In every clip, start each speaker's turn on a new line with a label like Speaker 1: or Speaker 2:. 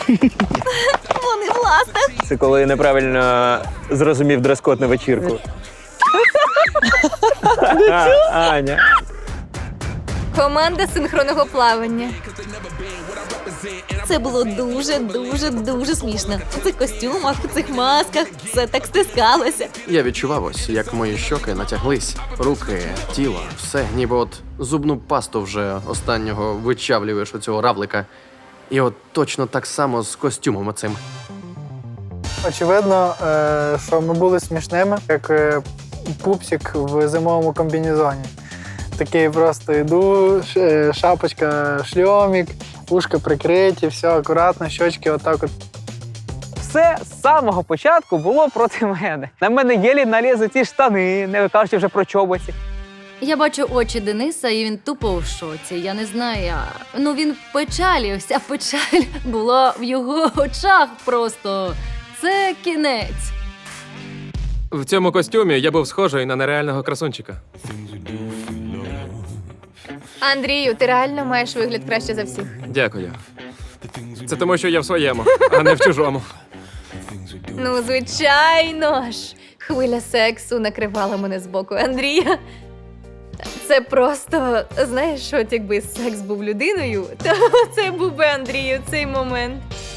Speaker 1: Вони в ластах.
Speaker 2: Це коли неправильно зрозумів дрес-код на вечірку. Аня.
Speaker 1: Команда синхронного плавання. Це було дуже смішно. У цих костюмах, у цих масках все так стискалося.
Speaker 3: Я відчував ось, як мої щоки натяглись, руки, тіло, все, ніби от зубну пасту вже останнього вичавлюєш у цього равлика. І от точно так само з костюмом оцим.
Speaker 4: Очевидно, що ми були смішними, як пупсик в зимовому комбінезоні. Такий просто йду, шапочка, шльомік, ушка прикриті, все акуратно, щочки отак от.
Speaker 5: Все з самого початку було проти мене. На мене єлі налізли ці штани, не кажучи вже про чоботі.
Speaker 6: Я бачу очі Дениса, і він тупо в шоці. Я не знаю, ну він в печалі, вся печаль була в його очах просто. Це кінець.
Speaker 7: В цьому костюмі я був схожий на нереального красунчика.
Speaker 1: Андрію, ти реально маєш вигляд краще за всіх.
Speaker 7: Дякую. Це тому, що я в своєму, а не в чужому.
Speaker 1: Ну, звичайно ж. Хвиля сексу накривала мене з боку Андрія. Це просто, знаєш, от якби секс був людиною, то це був би Андрію цей момент.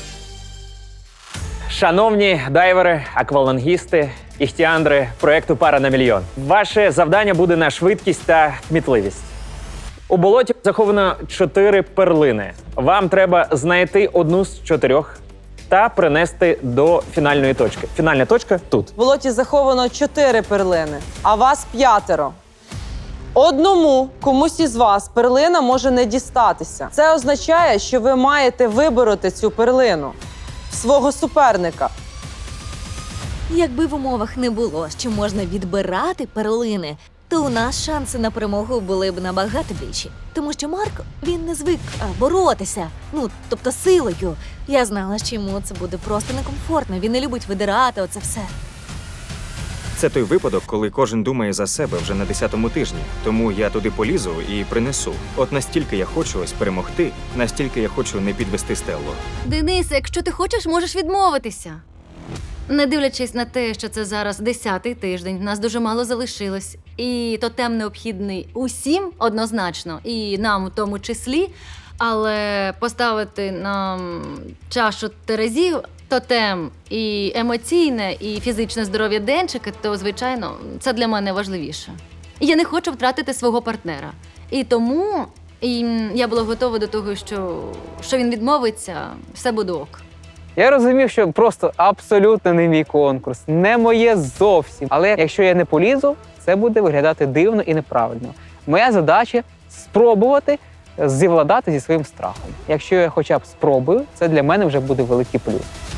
Speaker 2: Шановні дайвери, аквалангісти, іхтіандри проєкту «Пара на мільйон». Ваше завдання буде на швидкість та кмітливість. У болоті заховано 4 перлини. Вам треба знайти одну з 4 та принести до фінальної точки. Фінальна точка тут.
Speaker 8: В болоті заховано 4 перлини, а вас 5. Одному комусь із вас перлина може не дістатися. Це означає, що ви маєте вибороти цю перлину свого суперника.
Speaker 1: Якби в умовах не було, що можна відбирати перлини, то у нас шанси на перемогу були б набагато більші. Тому що Марк, він не звик боротися, ну, тобто силою. Я знала, що йому це буде просто некомфортно, він не любить видирати оце все.
Speaker 9: Це той випадок, коли кожен думає за себе вже на 10-му тижні. Тому я туди полізу і принесу. От настільки я хочу ось перемогти, настільки я хочу не підвести Стеллу.
Speaker 6: Денис, якщо ти хочеш, можеш відмовитися. Не дивлячись на те, що це зараз 10-й тиждень, нас дуже мало залишилось. І тотем необхідний усім однозначно, і нам у тому числі. Але поставити нам чашу терезів, тотем і емоційне, і фізичне здоров'я Денчика, то, звичайно, це для мене важливіше. Я не хочу втратити свого партнера. І тому я була готова до того, що він відмовиться, все буде ок.
Speaker 5: Я розумів, що просто абсолютно не мій конкурс, не моє зовсім. Але якщо я не полізу, це буде виглядати дивно і неправильно. Моя задача – спробувати зівладати зі своїм страхом. Якщо я хоча б спробую, це для мене вже буде великий плюс.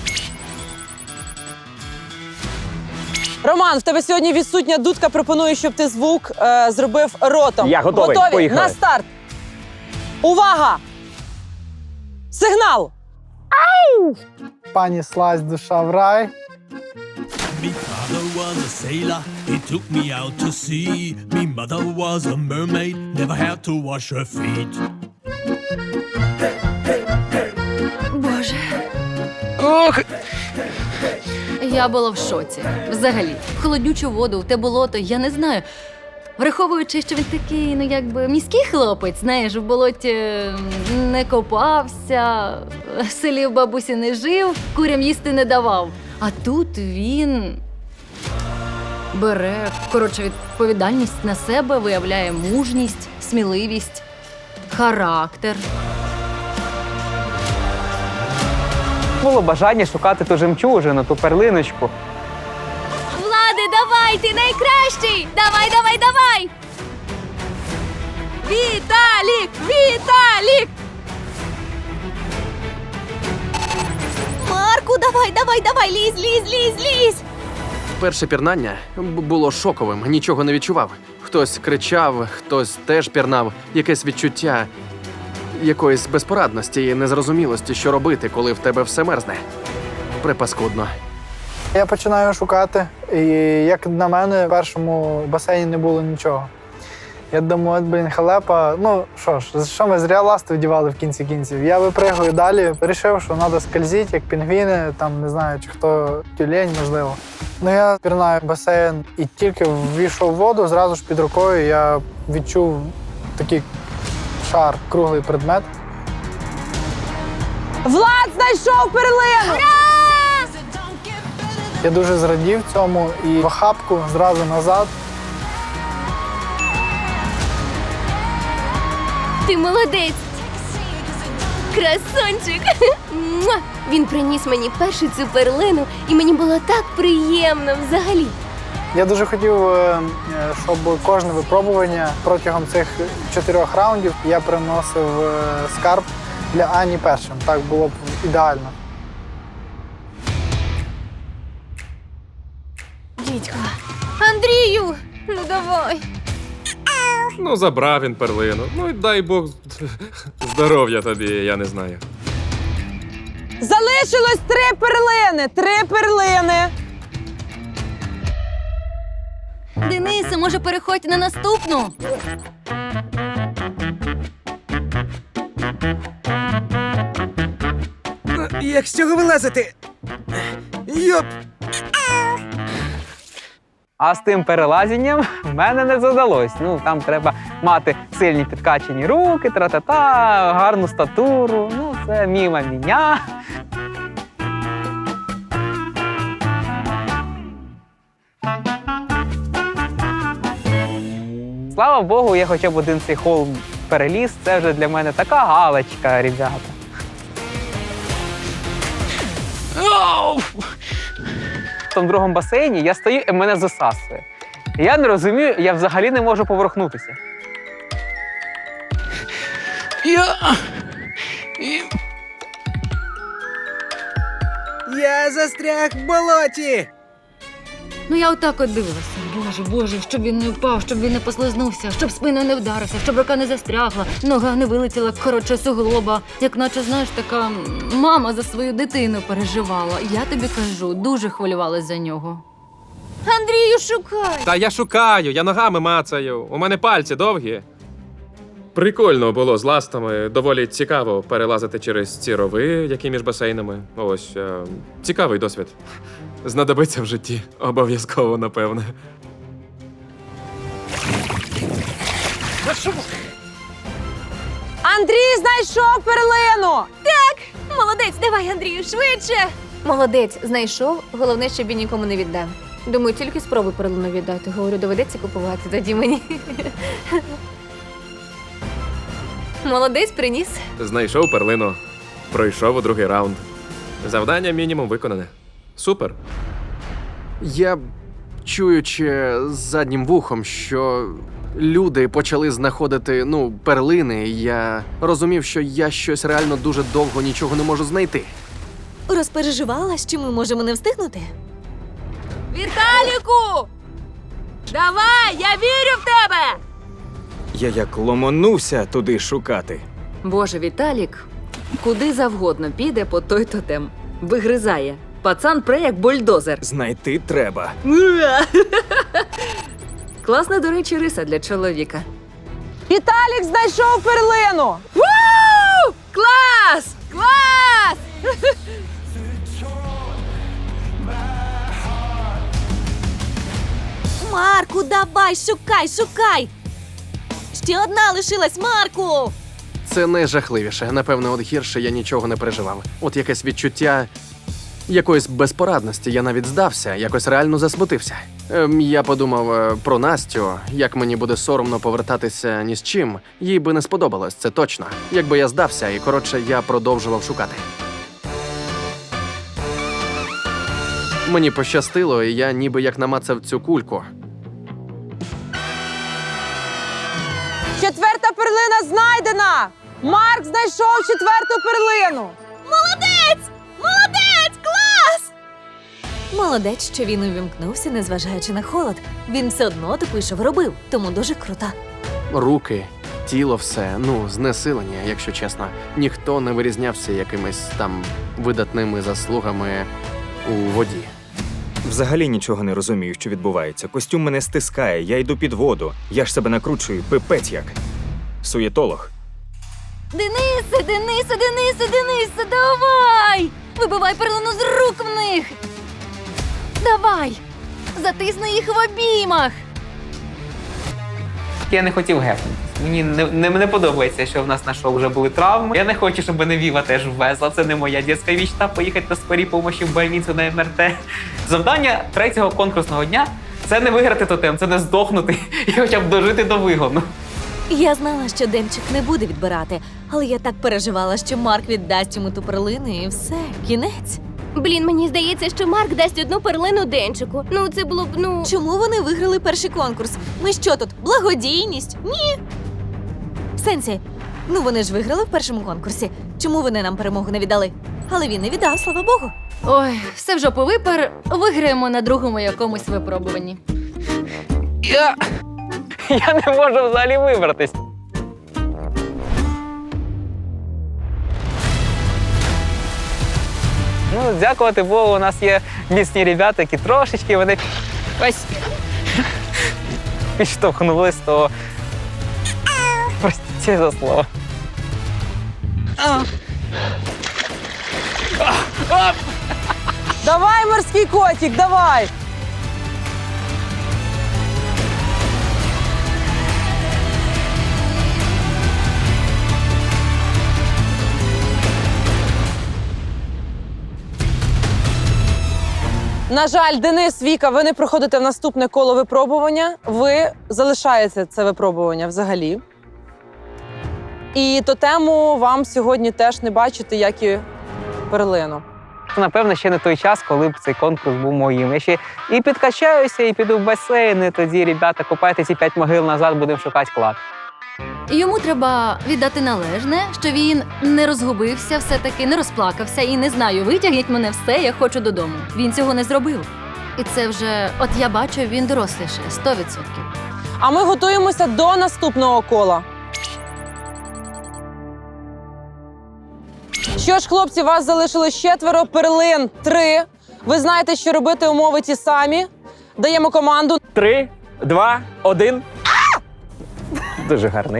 Speaker 8: Роман, в тебе сьогодні відсутня дудка. Пропоную, щоб ти звук зробив ротом.
Speaker 2: Я готовий.
Speaker 8: Готові?
Speaker 2: Поїхали.
Speaker 8: На старт. Увага! Сигнал!
Speaker 4: Пані слазь, душа в рай.
Speaker 10: Me father was a sailor, he took me out to sea. Me mother was a mermaid, never had to wash her feet.
Speaker 6: Боже. Ох! Я була в шоці. Взагалі. В холоднючу воду, в те болото, я не знаю. Враховуючи, що він такий, ну якби міський хлопець, знаєш, в болоті не копався, в селі в бабусі не жив, курям їсти не давав. А тут він бере, відповідальність на себе, виявляє мужність, сміливість, характер.
Speaker 5: Було бажання шукати ту жемчужину, ту перлиночку.
Speaker 1: Влади, давай, ти найкращий! Давай, давай, давай! Віталік! Віталік! Марку, давай, давай, давай, лізь, лізь, лізь, лізь!
Speaker 3: Перше пірнання було шоковим, нічого не відчував. Хтось кричав, хтось теж пірнав. Якесь відчуття якоїсь безпорадності і незрозумілості, що робити, коли в тебе все мерзне. Припаскудно.
Speaker 4: Я починаю шукати, і, як на мене, в першому басейні не було нічого. Я думаю, от, блін, халепа. Ну, що ж, що ми зря ласти вдівали в кінці кінців. Я випригую далі, вирішив, що треба скользити, як пінгвіни, там, не знаю, чи хто тюлень, можливо. Ну, я пірнаю в басейн і тільки ввійшов в воду, зразу ж під рукою я відчув такий шар, круглий предмет.
Speaker 8: Влад знайшов перлину!
Speaker 4: Я дуже зрадів цьому і в охапку зразу назад.
Speaker 11: Ти молодець! Красончик! Муа! Він приніс мені першу цю перлину, і мені було так приємно взагалі.
Speaker 4: Я дуже хотів, щоб кожне випробування протягом цих 4 раундів я приносив скарб для Ані першим. Так було б ідеально.
Speaker 11: Дідько. Андрію! Ну давай.
Speaker 7: Ну, забрав він перлину. Ну і дай Бог здоров'я тобі, я не знаю.
Speaker 8: Залишилось 3 перлини! 3 перлини!
Speaker 6: Денисе, може, переходь на наступну?
Speaker 12: Як з цього вилазити? Йоп!
Speaker 5: А з тим перелазінням в мене не задалось. Ну, там треба мати сильні підкачені руки, тра-та-та, гарну статуру. Ну, це міма міня. Слава Богу, я хоча б один цей холм переліз. Це вже для мене така галочка, ребята. В тому другому басейні я стою і мене засасує. І я не розумію, я взагалі не можу поворухнутися.
Speaker 12: Я застряг в болоті!
Speaker 6: Ну я отак от дивилася. Боже, щоб він не впав, щоб він не послизнувся, щоб спиною не вдарився, щоб рука не застрягла, нога не вилетіла, коротше, суглоба. Як наче, знаєш, така мама за свою дитину переживала. Я тобі кажу, дуже хвилювалась за нього.
Speaker 11: Андрію, шукай!
Speaker 7: Та я шукаю, я ногами мацаю. У мене пальці довгі. Прикольно було з ластами. Доволі цікаво перелазити через ці рови, які між басейнами. Ось, цікавий досвід. Знадобиться в житті. Обов'язково, напевне.
Speaker 8: Андрій знайшов перлину!
Speaker 11: Молодець, давай, Андрію, швидше! Молодець, знайшов. Головне, щоб він нікому не віддав. Думаю, тільки спробуй перлину віддати. Говорю, доведеться купувати тоді мені. Молодець, приніс.
Speaker 7: Знайшов перлину. Пройшов у другий раунд. Завдання мінімум виконане. Супер.
Speaker 3: Я, чуючи заднім вухом, що люди почали знаходити, перлини, я розумів, що я щось реально дуже довго нічого не можу знайти.
Speaker 1: Розпереживала, що ми можемо не встигнути?
Speaker 11: Віталіку! Давай, я вірю в тебе!
Speaker 9: Я як ломонувся туди шукати.
Speaker 13: Боже, Віталік куди завгодно піде по той тотем. Вигризає. Пацан пре як бульдозер.
Speaker 9: Знайти треба.
Speaker 13: Класна, до речі, риса для чоловіка.
Speaker 8: Віталік знайшов перлину!
Speaker 11: Клас! Клас!
Speaker 1: Марку, давай, шукай! Ще одна лишилась, Марку!
Speaker 3: Це найжахливіше. Напевно, от гірше я нічого не переживав. От якесь відчуття якоїсь безпорадності. Я навіть здався, якось реально засмутився. Я подумав про Настю, як мені буде соромно повертатися ні з чим. Їй би не сподобалось, це точно. Якби я здався, і коротше, я продовжував шукати. Мені пощастило, і я ніби як намацав цю кульку.
Speaker 8: 4-та перлина знайдена! Марк знайшов 4-ту перлину!
Speaker 1: Молодець! Клас! Молодець, що він увімкнувся, незважаючи на холод. Він все одно допишов, робив, тому дуже крута.
Speaker 3: Руки, тіло все, знесилення, якщо чесно. Ніхто не вирізнявся якимись там видатними заслугами у воді.
Speaker 9: Взагалі нічого не розумію, що відбувається. Костюм мене стискає, я йду під воду. Я ж себе накручую, пипець як. Суєтолог.
Speaker 6: Денисе, давай! Вибивай перлину з рук в них! Давай! Затисни їх в обіймах!
Speaker 5: Я не хотів гепнутися. Мені не подобається, що в нас на шоу вже були травми. Я не хочу, щоб мене Віва теж ввезла. Це не моя дитяча мечта – поїхати на скорій помощі в больницю на МРТ. Завдання третього конкурсного дня – це не виграти тотем, це не здохнути і хоча б дожити до вигону.
Speaker 1: Я знала, що Демчик не буде відбирати, але я так переживала, що Марк віддасть йому ту перлину і все, кінець.
Speaker 11: Блін, мені здається, що Марк дасть одну перлину Денчику. Ну, це було б,
Speaker 1: Чому вони виграли перший конкурс? Ми що тут, благодійність? Ні. В сенсі, вони ж виграли в першому конкурсі. Чому вони нам перемогу не віддали? Але він не віддав, слава Богу.
Speaker 6: Ой, все в жопу випер, виграємо на другому якомусь випробуванні.
Speaker 5: Я не можу взагалі вибратись. Дякувати Богу, у нас є міцні ребята, які трошечки вони ось підштовхнули з того. Простіть за слово.
Speaker 8: Давай, морський котик, давай! На жаль, Денис, Віка, ви не проходите в наступне коло випробування. Ви залишаєте це випробування взагалі. І тотему вам сьогодні теж не бачити, як і перлину.
Speaker 5: Напевно, ще не той час, коли б цей конкурс був моїм. Я ще і підкачаюся, і піду в басейн, і тоді, ребята, копайте ці 5 могил назад, будемо шукати клад.
Speaker 6: Йому треба віддати належне, що він не розгубився, все-таки не розплакався і не знаю, витягніть мене все, я хочу додому. Він цього не зробив. І це вже, от я бачу, він доросліше, 100%.
Speaker 8: А ми готуємося до наступного кола. Що ж, хлопці, вас залишилось 4, перлин 3. Ви знаєте, що робити, умови ті самі. Даємо команду.
Speaker 2: 3, 2, 1. Дуже гарний.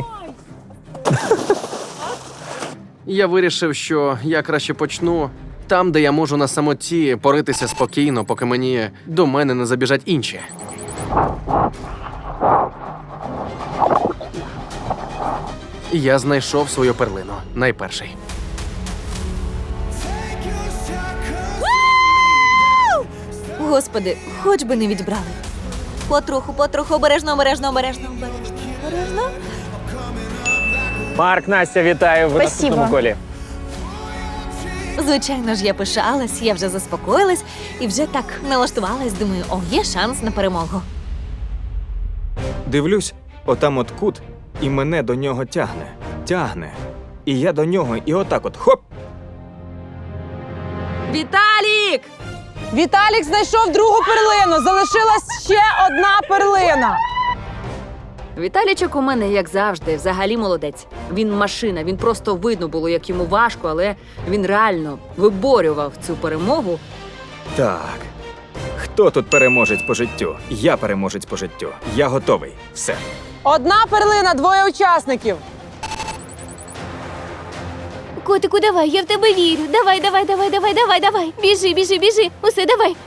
Speaker 3: Я вирішив, що я краще почну там, де я можу на самоті поритися спокійно, поки до мене не забіжать інші. Я знайшов свою перлину. Найперший.
Speaker 1: Господи, хоч би не відбрали. Потроху, обережно.
Speaker 2: Марк, Настя, вітаю в наступному колі.
Speaker 1: Звичайно ж, я пишалась, я вже заспокоїлась і вже так налаштувалась, думаю, є шанс на перемогу.
Speaker 9: Дивлюсь, отам от кут, і мене до нього тягне. І я до нього, і отак от, хоп!
Speaker 1: Віталік!
Speaker 8: Віталік знайшов другу перлину. Залишилась ще одна перлина.
Speaker 13: Віталічок у мене, як завжди, взагалі молодець. Він машина, він просто видно було, як йому важко, але він реально виборював цю перемогу.
Speaker 9: Так. Хто тут переможець по життю? Я переможець по життю. Я готовий. Все.
Speaker 8: Одна перлина, 2 учасників.
Speaker 11: Котику, давай, я в тебе вірю. Давай. Біжи. Усе, давай.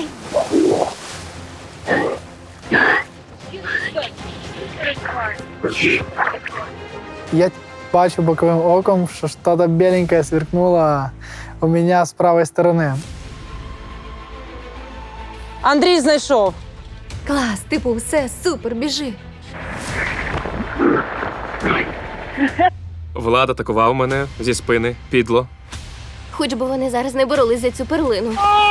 Speaker 4: Я бачу боковым оком, что что-то беленькое сверкнуло у меня с правой стороны.
Speaker 8: Андрій знайшов.
Speaker 11: Клас, все, супер, біжи.
Speaker 7: Влад атакував мене зі спини, підло.
Speaker 11: Хоч би вони зараз не боролись за цю перлину.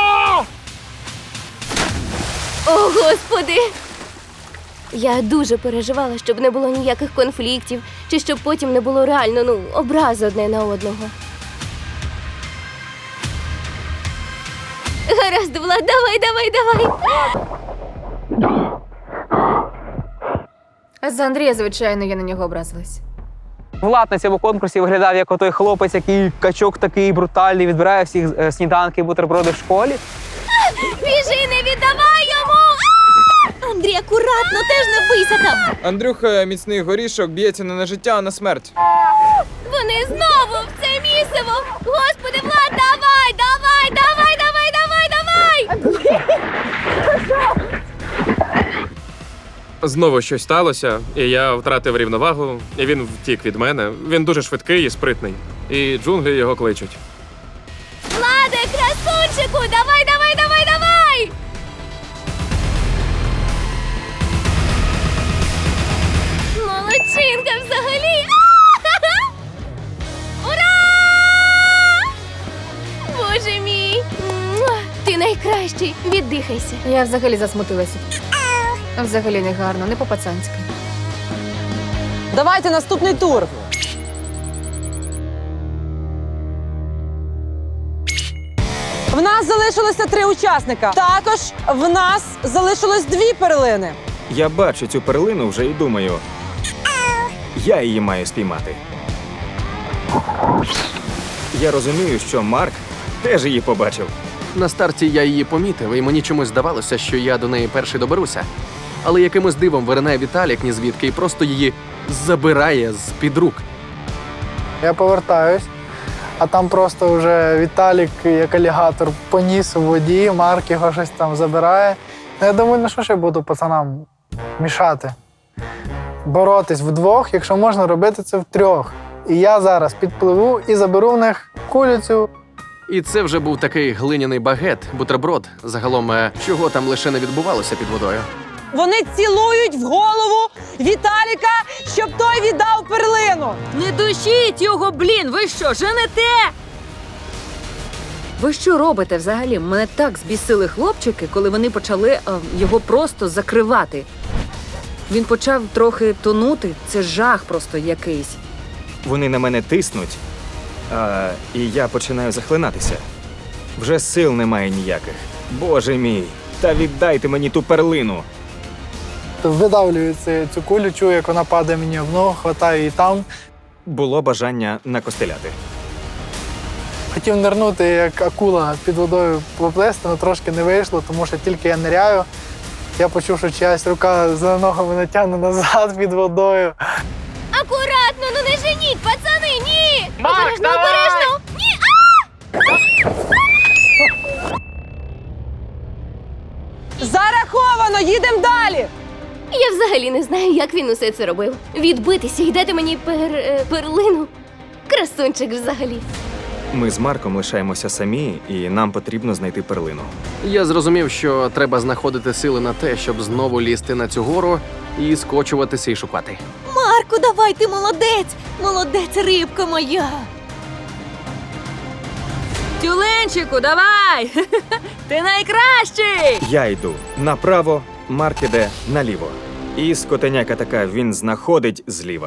Speaker 11: О, Господи! Я дуже переживала, щоб не було ніяких конфліктів, чи щоб потім не було реально, образи одне на одного. Гаразд, Влад, давай. А за Андрія, звичайно, я на нього образилась.
Speaker 5: Влад на цьому конкурсі виглядав як отой хлопець, який качок такий брутальний, відбирає всіх сніданки, бутерброди в школі.
Speaker 11: Біжи, не віддай!
Speaker 1: Андрій, акуратно, теж не бийся там!
Speaker 12: Андрюха, міцний горішок, б'ється не на життя, а на смерть.
Speaker 11: Вони знову в це місиво! Господи, Влад, давай, давай, давай, давай, давай, давай!
Speaker 7: Знову щось сталося, і я втратив рівновагу, і він втік від мене. Він дуже швидкий і спритний. І джунглі його кличуть.
Speaker 11: Владе, красунчику, давай, давай, давай, давай! Молодчинка взагалі! Ура! Боже мій! Муа! Ти найкращий! Віддихайся. Я взагалі засмутилася. Взагалі не гарно, не по-пацанськи.
Speaker 8: Давайте наступний тур. В нас залишилося 3 учасника. Також в нас залишилось 2 перлини.
Speaker 9: Я бачу цю перлину вже і думаю, я її маю спіймати. Я розумію, що Марк теж її побачив.
Speaker 3: На старті я її помітив, і мені чомусь здавалося, що я до неї перший доберуся. Але якимось дивом виринає Віталік нізвідки і просто її забирає з-під рук.
Speaker 4: Я повертаюсь, а там просто вже Віталік, як алігатор, поніс у воді, Марк його щось там забирає. Ну, я думаю, ну що ж я буду пацанам мішати? Боротись вдвох, якщо можна робити це втрьох. І я зараз підпливу і заберу в них кулю цю.
Speaker 3: І це вже був такий глиняний багет, бутерброд. Загалом, чого там лише не відбувалося під водою.
Speaker 8: Вони цілують в голову Віталіка, щоб той віддав перлину.
Speaker 13: Не душіть його, блін! Ви що, женете? Ви що робите взагалі? Мене так збісили хлопчики, коли вони почали його просто закривати. Він почав трохи тонути. Це жах просто якийсь.
Speaker 9: Вони на мене тиснуть, і я починаю захлинатися. Вже сил немає ніяких. Боже мій, та віддайте мені ту перлину.
Speaker 4: Видавлюю цю кулю, чую, як вона падає мені в ногу, хватаю її там.
Speaker 9: Було бажання накостеляти.
Speaker 4: Хотів нирнути, як акула під водою поплисти, але трошки не вийшло, тому що тільки я ниряю, я почув, що чиясь рука за ногами натягне назад під водою.
Speaker 11: Акуратно, ну не женіть, пацани, ні! Обережно, обережно! Ні!
Speaker 8: Зараховано, їдемо далі.
Speaker 11: Я взагалі не знаю, як він усе це робив. Відбитися і дати мені перлину. Красунчик взагалі.
Speaker 9: Ми з Марком лишаємося самі, і нам потрібно знайти перлину.
Speaker 3: Я зрозумів, що треба знаходити сили на те, щоб знову лізти на цю гору і скочуватися і шукати.
Speaker 1: Марку, давай, ти молодець! Молодець, рибка моя!
Speaker 13: Тюленчику, давай! Ти найкращий!
Speaker 9: Я йду направо, Марк іде наліво. І скотеняка така, він знаходить зліва.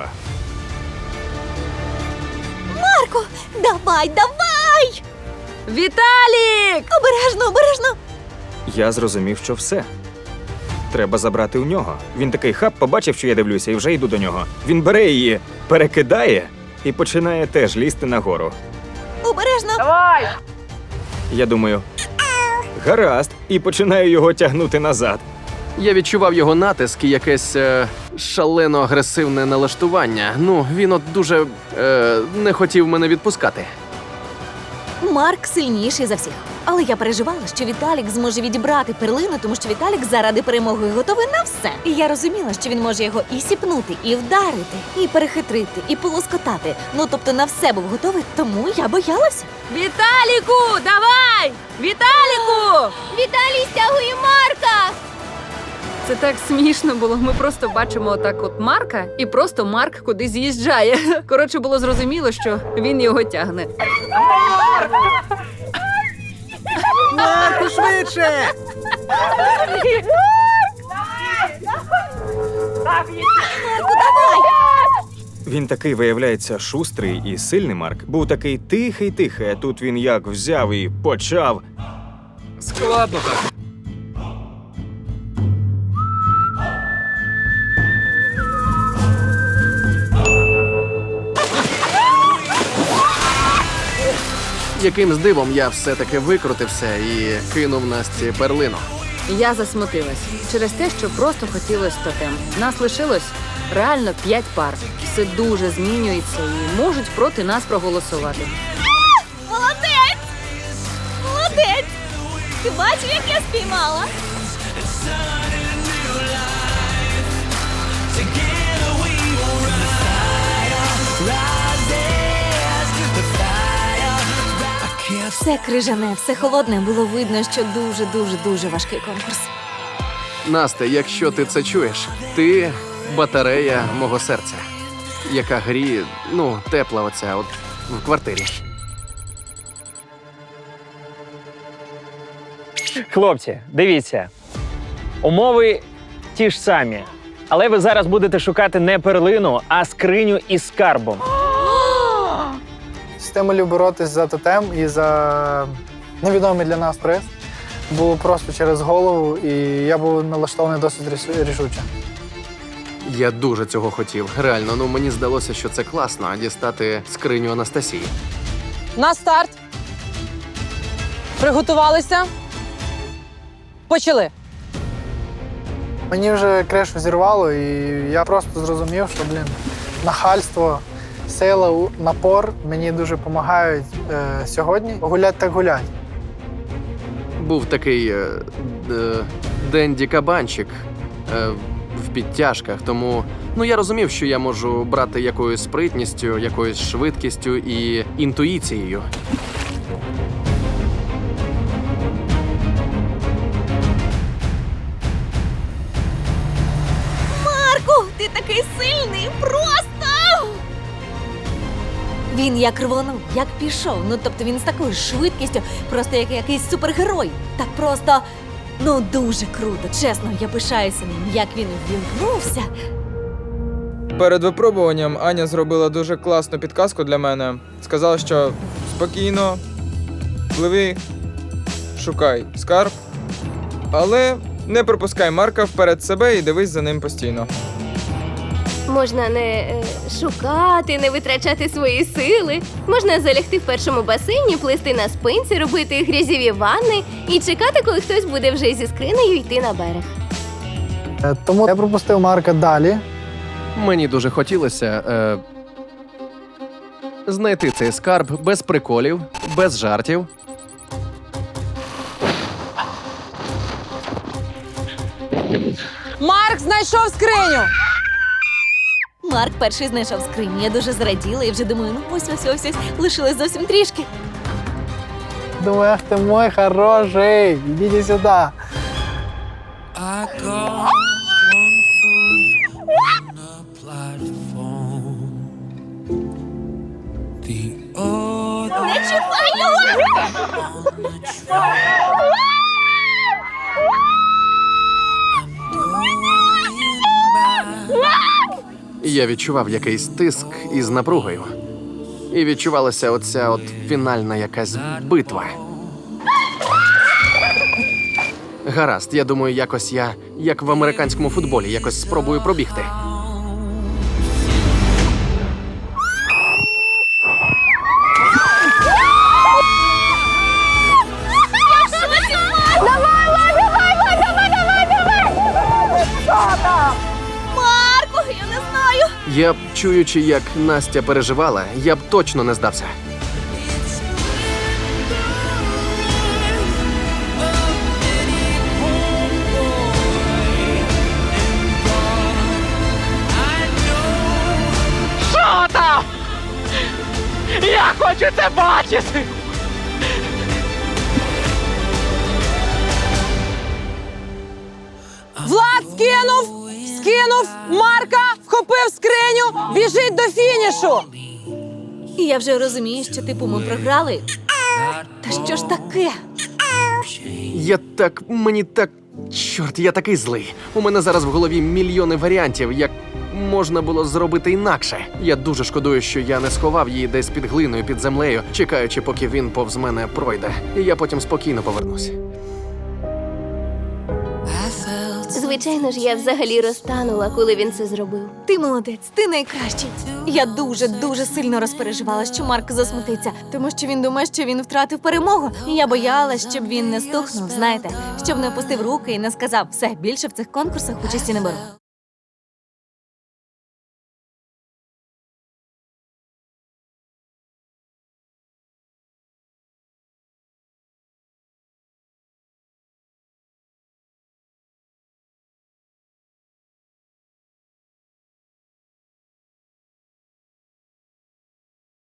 Speaker 1: Марко, давай, давай!
Speaker 13: Віталік!
Speaker 1: Обережно, обережно!
Speaker 9: Я зрозумів, що все. Треба забрати у нього. Він такий хап, побачив, що я дивлюся, і вже йду до нього. Він бере її, перекидає і починає теж лізти нагору.
Speaker 1: Обережно!
Speaker 8: Давай!
Speaker 9: Я думаю, гаразд, і починаю його тягнути назад.
Speaker 3: Я відчував його натиск і якесь шалено агресивне налаштування. Ну, він от дуже не хотів мене відпускати.
Speaker 1: Марк сильніший за всіх. Але я переживала, що Віталік зможе відібрати перлину, тому що Віталік заради перемоги готовий на все. І я розуміла, що він може його і сіпнути, і вдарити, і перехитрити, і полоскотати. Ну, тобто на все був готовий, тому я боялася.
Speaker 13: Віталіку, давай! Віталіку!
Speaker 11: Віталій стягує Марка!
Speaker 13: Це так смішно було. Ми просто бачимо отак от Марка, і просто Марк кудись з'їжджає. Коротше, було зрозуміло, що він його тягне.
Speaker 12: Марку, швидше!
Speaker 9: Він такий, виявляється, шустрий і сильний Марк. Був такий тихий-тихий, а тут він як взяв і почав.
Speaker 7: Складно так.
Speaker 3: Якимсь дивом я все-таки викрутився і кинув Насті перлину.
Speaker 13: Я засмутилась через те, що просто хотілося тотем. Нас лишилось реально 5 пар. Все дуже змінюється і можуть проти нас проголосувати.
Speaker 1: Молодець! Молодець! Ти бачив, як я спіймала? Все крижане, все холодне. Було видно, що дуже важкий конкурс.
Speaker 3: Настя, якщо ти це чуєш, ти батарея мого серця, яка гріє, тепла оця от в квартирі.
Speaker 2: Хлопці, дивіться. Умови ті ж самі. Але ви зараз будете шукати не перлину, а скриню із скарбом.
Speaker 4: Стимулів боротись за тотем і за невідомий для нас приз було просто через голову, і я був налаштований досить рішуче.
Speaker 3: Я дуже цього хотів. Реально, мені здалося, що це класно, а дістати скриню Анастасії.
Speaker 8: На старт. Приготувалися. Почали.
Speaker 4: Мені вже кришу зірвало, і я просто зрозумів, що, нахальство, сила, напор мені дуже допомагають сьогодні. Гулять так гулять.
Speaker 3: Був такий Денді Кабанчик в підтяжках, тому я розумів, що я можу брати якоюсь спритністю, якоюсь швидкістю і інтуїцією.
Speaker 1: Марку, ти такий сильний, просто! Він як рвонув, як пішов. Тобто він з такою швидкістю, просто як якийсь супергерой. Так просто, дуже круто. Чесно, я пишаюся ним, як він ввімкнувся.
Speaker 12: Перед випробуванням Аня зробила дуже класну підказку для мене. Сказала, що спокійно, пливи, шукай скарб, але не пропускай Марка вперед себе і дивись за ним постійно.
Speaker 11: Можна не шукати, не витрачати свої сили. Можна залягти в першому басейні, плисти на спинці, робити грязєві ванни і чекати, коли хтось буде вже зі скринею йти на берег.
Speaker 4: Тому я пропустив Марка далі.
Speaker 3: Мені дуже хотілося знайти цей скарб без приколів, без жартів.
Speaker 8: Марк знайшов скриню.
Speaker 1: Марк перший знайшов скриню. Я дуже зраділа і вже думаю, ось, лишилось зовсім трішки.
Speaker 4: Думаю, ах ти мой хороший, ідіть сюди.
Speaker 10: I got one foot on a platform. The other
Speaker 1: Не чіпай його!
Speaker 10: on the track. I'm going back.
Speaker 3: Я відчував якийсь тиск із напругою. І відчувалася оця от фінальна якась битва. Гаразд, я думаю, якось я, як в американському футболі, якось спробую пробігти.
Speaker 1: Марку, я не знаю!
Speaker 3: Я б, чуючи, як Настя переживала, я б точно не здався.
Speaker 5: Що там? Я хочу це бачити!
Speaker 8: Влад скинув Марка, вхопив скриню, біжить до фінішу.
Speaker 1: І я вже розумію, що ми програли. Та що ж таке?
Speaker 3: Чорт, я такий злий. У мене зараз в голові мільйони варіантів, як можна було зробити інакше. Я дуже шкодую, що я не сховав її десь під глиною, під землею, чекаючи, поки він повз мене пройде. І я потім спокійно повернусь.
Speaker 11: Звичайно ж, я взагалі розтанула, коли він це зробив.
Speaker 1: Ти молодець, ти найкращий. Я дуже сильно розпереживала, що Марк засмутиться, тому що він думає, що він втратив перемогу. І я боялась, щоб він не стухнув, знаєте, щоб не опустив руки і не сказав: все, більше в цих конкурсах участі не беру.